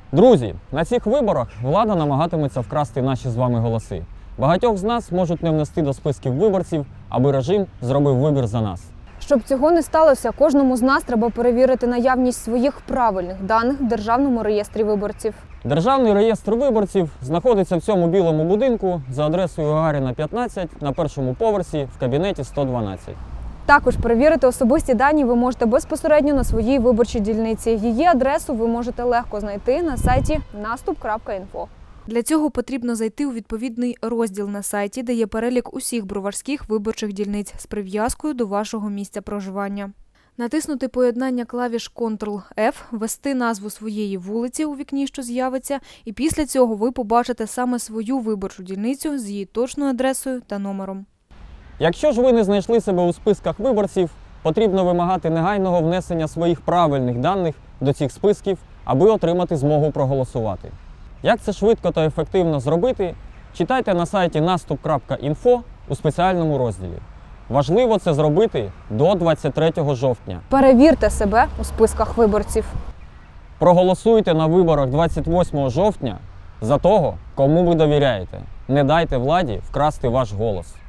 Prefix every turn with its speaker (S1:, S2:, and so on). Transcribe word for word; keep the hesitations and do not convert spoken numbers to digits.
S1: Друзі, на цих виборах влада намагатиметься вкрасти наші з вами голоси. Багатьох з нас можуть не внести до списків виборців, аби режим зробив вибір за нас.
S2: Щоб цього не сталося, кожному з нас треба перевірити наявність своїх правильних даних в Державному реєстрі виборців.
S1: Державний реєстр виборців знаходиться в цьому білому будинку за адресою Гагаріна, п'ятнадцять на першому поверсі в кабінеті сто дванадцять.
S2: Також перевірити особисті дані ви можете безпосередньо на своїй виборчій дільниці. Її адресу ви можете легко знайти на сайті наступ крапка інфо.
S3: Для цього потрібно зайти у відповідний розділ на сайті, де є перелік усіх броварських виборчих дільниць з прив'язкою до вашого місця проживання. Натиснути поєднання клавіш контрол еф, ввести назву своєї вулиці у вікні, що з'явиться, і після цього ви побачите саме свою виборчу дільницю з її точною адресою та номером.
S1: Якщо ж ви не знайшли себе у списках виборців, потрібно вимагати негайного внесення своїх правильних даних до цих списків, аби отримати змогу проголосувати. Як це швидко та ефективно зробити, читайте на сайті наступ крапка інфо у спеціальному розділі. Важливо це зробити до двадцять третього жовтня.
S2: Перевірте себе у списках виборців.
S1: Проголосуйте на виборах двадцять восьмого жовтня за того, кому ви довіряєте. Не дайте владі вкрасти ваш голос.